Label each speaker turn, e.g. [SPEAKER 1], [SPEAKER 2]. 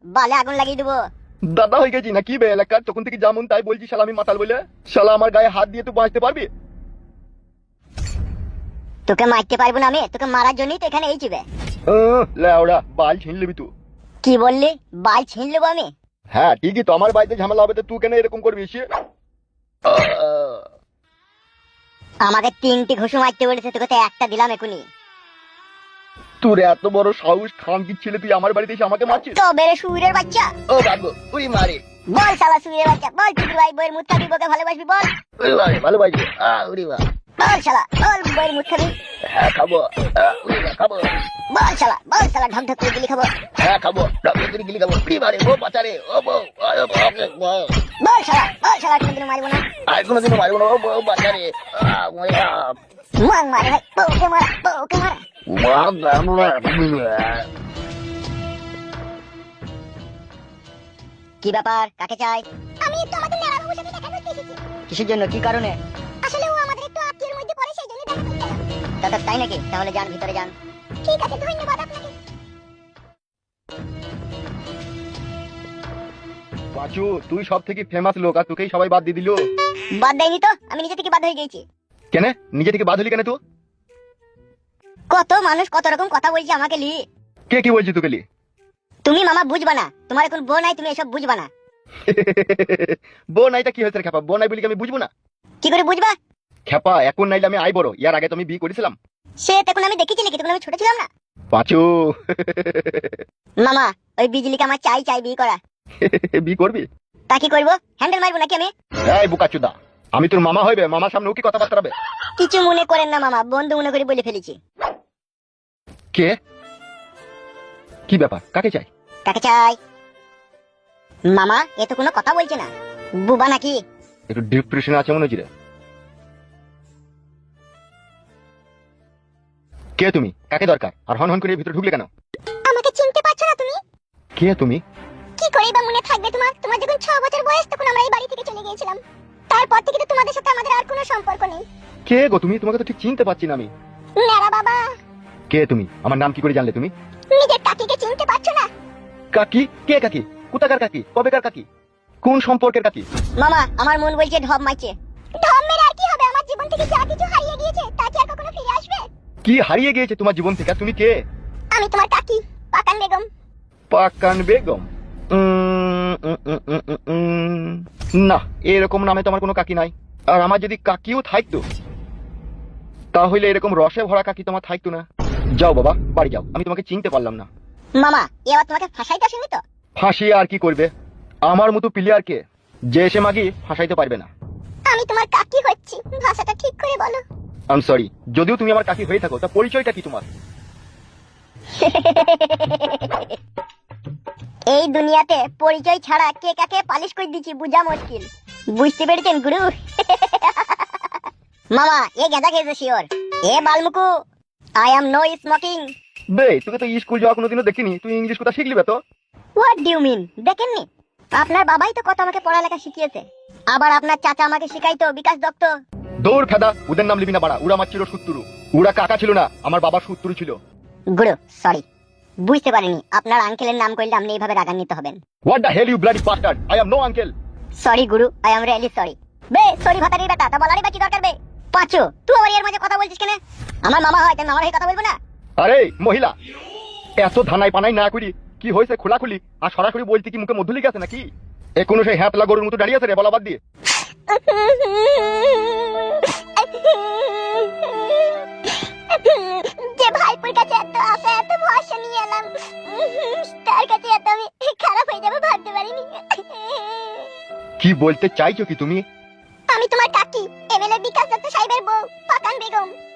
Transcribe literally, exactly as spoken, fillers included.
[SPEAKER 1] বালে আগুন লাগিয়ে দেবো।
[SPEAKER 2] দাদা হয়ে গেছি নাকি বে এলাকার, তখন থেকে যেমন তাই বলছি শালা আমি মাতাল বলে। শালা আমার গায়ে হাত দিয়ে তুই বাঁচতে পারবি?
[SPEAKER 1] তোকে মারতে পারবো না আমি, তোকে মারার জন্যই তো এখানে এইছি বে।
[SPEAKER 2] লেওড়া বাল ছিন লিবি তুই।
[SPEAKER 1] কি বললি? বাল ছিন নেবো আমি?
[SPEAKER 2] হ্যাঁ ঠিকই তো, আমার বাড়িতে ঝামেলা হবে তো তুই কেন এরকম করবি?
[SPEAKER 1] আমাকে তিনটি ঘুষু মারতে বলেছে, তোকে তো একটা দিলাম এখনই।
[SPEAKER 2] তোর এত বড় সাহস, খানকি ছেলে, তুই আমার বাড়িতে এসে আমাকে মারছিস?
[SPEAKER 1] তো বেড়ে সুরের বাচ্চা।
[SPEAKER 2] ও বাবু তুই মারে।
[SPEAKER 1] বল শালা সুরের বাচ্চা, বল তুই ভাই বইয়ের মুখ খাবি, বকে ভালোবাসবি বল।
[SPEAKER 2] ভালোবাসি।
[SPEAKER 1] বল শালা, বল বইয়ের মুখ খাবি।
[SPEAKER 2] হ্যাঁ খাবো। খাবো।
[SPEAKER 1] বল শালা, বল শালা ঢক ঢক করে গিলি খাবো।
[SPEAKER 2] হ্যাঁ খাবো, ঢক করে গিলি খাবো। কি মারে ও বাচ্চারে, ও বউ।
[SPEAKER 1] বল শালা, বল শালা কোনোদিনও মারবো না।
[SPEAKER 2] আর কোনোদিনও মারবো না, ও বউ বাচ্চারে।
[SPEAKER 1] মার মারে ভাই, বউকে মারা, বউকে মারা। কি ব্যাপার, কাকে চাই? আমি একটু আমাদের নেড়া বাবুর সাথে দেখা করতে এসেছি। কিসের জন্য, কি কারণে? আসলে ও আমাদের একটু আত্মীয়ের মধ্যে পড়ে, সেই জন্য দেখা করতে এলাম। দাদা তাই নাকি? তাহলে যান, ভিতরে যান। ঠিক আছে, ধন্যবাদ আপনাকে।
[SPEAKER 2] পাঁচু তুই সব থেকে ফেমাস লোক, আর তোকেই সবাই বাদ দিয়ে দিল।
[SPEAKER 1] বাদ দেয়নি তো, আমি নিজে থেকে বাদ হয়ে গেছি।
[SPEAKER 2] কেন নিজে থেকে বাদ হলি কেন তুই?
[SPEAKER 1] কত মানুষ কত রকম কথা বলছে আমাকে লি।
[SPEAKER 2] কে কি বলছি তোকে লি?
[SPEAKER 1] তুমি মামা বুঝবা না, তোমার এখন বউ নাই, তুমি এসব বুঝবা না।
[SPEAKER 2] বউ নাইটা কি হয়েছে রে খেপা? বউ নাই বলি কি আমি বুঝবো না?
[SPEAKER 1] কি করে বুঝবা?
[SPEAKER 2] খেপা এখন নাইলে আমি আই বড়, ইয়ার আগে তো আমি বিয়ে করেছিলাম।
[SPEAKER 1] সে তখন আমি দেখেছি নাকি, তখন আমি ছোট ছিলাম না।
[SPEAKER 2] পাঁচু
[SPEAKER 1] মামা ওই বিজলিকে আমার চাই চাই বিয়ে করা।
[SPEAKER 2] বিয়ে করবি?
[SPEAKER 1] তা কি করবো, হ্যান্ডেল মারবো নাকি আমি?
[SPEAKER 2] এই বুকাচুদা, আমি তোর মামা হইবে, মামার সামনে ও কি কথাবার্তা হবে?
[SPEAKER 1] কিছু মনে করেন না মামা, বন্ধু মনে করে বলে ফেলেছি।
[SPEAKER 2] কে? কি ব্যাপার, কাকে চাই?
[SPEAKER 1] কাকে চাই? মামা এ তো কোনো কথা বলছে না, বুবা নাকি?
[SPEAKER 2] একটু ডিপ্রেশনে আছে মনে হচ্ছে রে। কে তুমি? কাকে দরকার? আর হন হন করে ভিতরে ঢুকলে কেন?
[SPEAKER 1] আমাকে চিনতে পারছো না তুমি?
[SPEAKER 2] কে তুমি?
[SPEAKER 1] কি করে বা মনে থাকবে তোমার? তোমার যখন ছ বছর বয়স তখন আমরা এই বাড়ি থেকে চলে গিয়েছিলাম। তারপর থেকে তো তোমাদের সাথে আমাদের আর কোনো সম্পর্ক নেই।
[SPEAKER 2] কে গো তুমি? তোমাকে তো ঠিক চিনতে পারছি না আমি।
[SPEAKER 1] নেড়া বাবা।
[SPEAKER 2] কে তুমি? আমার নাম কি করে জানলে তুমি?
[SPEAKER 1] নিজের কাকিকে চিনতে পারছো না?
[SPEAKER 2] কাকি? কে কাকি? কোথাকার কাকি? কবেকার কাকি? কোন সম্পর্কের কাকি?
[SPEAKER 1] মামা আমার মন বলছে ঢপ মারছে। ঢপ মেরে আর কি হবে? আমার জীবন থেকে যা কিছু হারিয়ে গিয়েছে তা কি আর কখনো ফিরে আসবে?
[SPEAKER 2] কি হারিয়ে গিয়েছে তোমার জীবন থেকে? তুমি কে?
[SPEAKER 1] আমি তোমার কাকি, পাকান বেগম।
[SPEAKER 2] পাকান বেগম? উম, উম, উম, উম, উম, উম, না, এরকম নামে তোমার কোনো কাকি নাই। আর আমার যদি কাকিও থাকতো তাহলে এরকম রসে ভরা কাকি তোমার থাকতো না। যাও বাবা, বাড়ি যাও, আমি তোমাকে চিনতে পারলাম না।
[SPEAKER 1] মামা এবার তোমাকে ফাঁসাইতে আসেনি তো?
[SPEAKER 2] ফাঁসিয়ে আর কি করবে? আমার মতো প্লেয়ারকে যে এসে মাগি ফাঁসাইতে পারবে না।
[SPEAKER 1] আমি তোমার কাকি হচ্ছি, ভাষাটা ঠিক করে বলো।
[SPEAKER 2] আই এম সরি, যদিও তুমি আমার কাকি হয়ে থাকো, তা পরিচয়টা কি তোমার?
[SPEAKER 1] এই দুনিয়াতে পরিচয় ছাড়া কে কাকে পালিশ করে দিচ্ছি বুঝা মুশকিল, বুঝতে পেরেছেন গুরু? মামা এ গাঁজা খেয়েছে শিওর। এ বালমুকু, আই এম নো স্মোকিং।
[SPEAKER 2] বে তোকে তো স্কুল যাওয়া কোনোদিনও দেখিনি, তুই ইংলিশ কথা শিখলি বে তো?
[SPEAKER 1] What do you mean? দেখেননি? আপনার বাবাই তো কত আমাকে পড়ালেখা শিখিয়েছে। আবার আপনার চাচা আমাকে শিখাইতো, বিকাশ দত্ত।
[SPEAKER 2] দৌড় ফেদা, ওদের নাম লিবি না বাড়া। ওরা আমার ছিল শত্রু, ওরা কাকা ছিল না, আমার বাবার শত্রু ছিল।
[SPEAKER 1] গুরু সরি, বুঝতে পারিনি আপনার আঙ্কেলের নাম করলে আপনি এইভাবে রাগান্বিত হবেন।
[SPEAKER 2] What the hell you bloody bastard, I am no uncle.
[SPEAKER 1] Sorry গুরু, আই এম রিয়েলি সরি। বে সরি ভাতারির বেটা, তা বলারই বা কি দরকার বে? পাঁচু তুই আমার এর মাঝে কথা বলছিস কেন? আমার মামা হয় তাই আমার হয়ে কথা বলবো না?
[SPEAKER 2] আরে মহিলা, এত ধানাই পানাই না করি কি হয়েছে খোলাখুলি আর সরাসরি বলতে কি মুখে মধু লেগে আছে নাকি? এ কোনো সেই হ্যাপলা গরুর মতো দাঁড়িয়ে আছে রে বলা বাদ দিয়ে?
[SPEAKER 1] যে ভাইপুর কাছে এত আশা এত ভরসা নিয়ে এলাম, তার কাছে এত আমি খারাপ হয়ে যাবে ভাবতে পারিনি।
[SPEAKER 2] কি বলতে চাইছো কি তুমি?
[SPEAKER 1] আমি তোমার কাকি, এমএলএ বিকাশ দত্ত সাহেবের বউ, পাকান বেগম।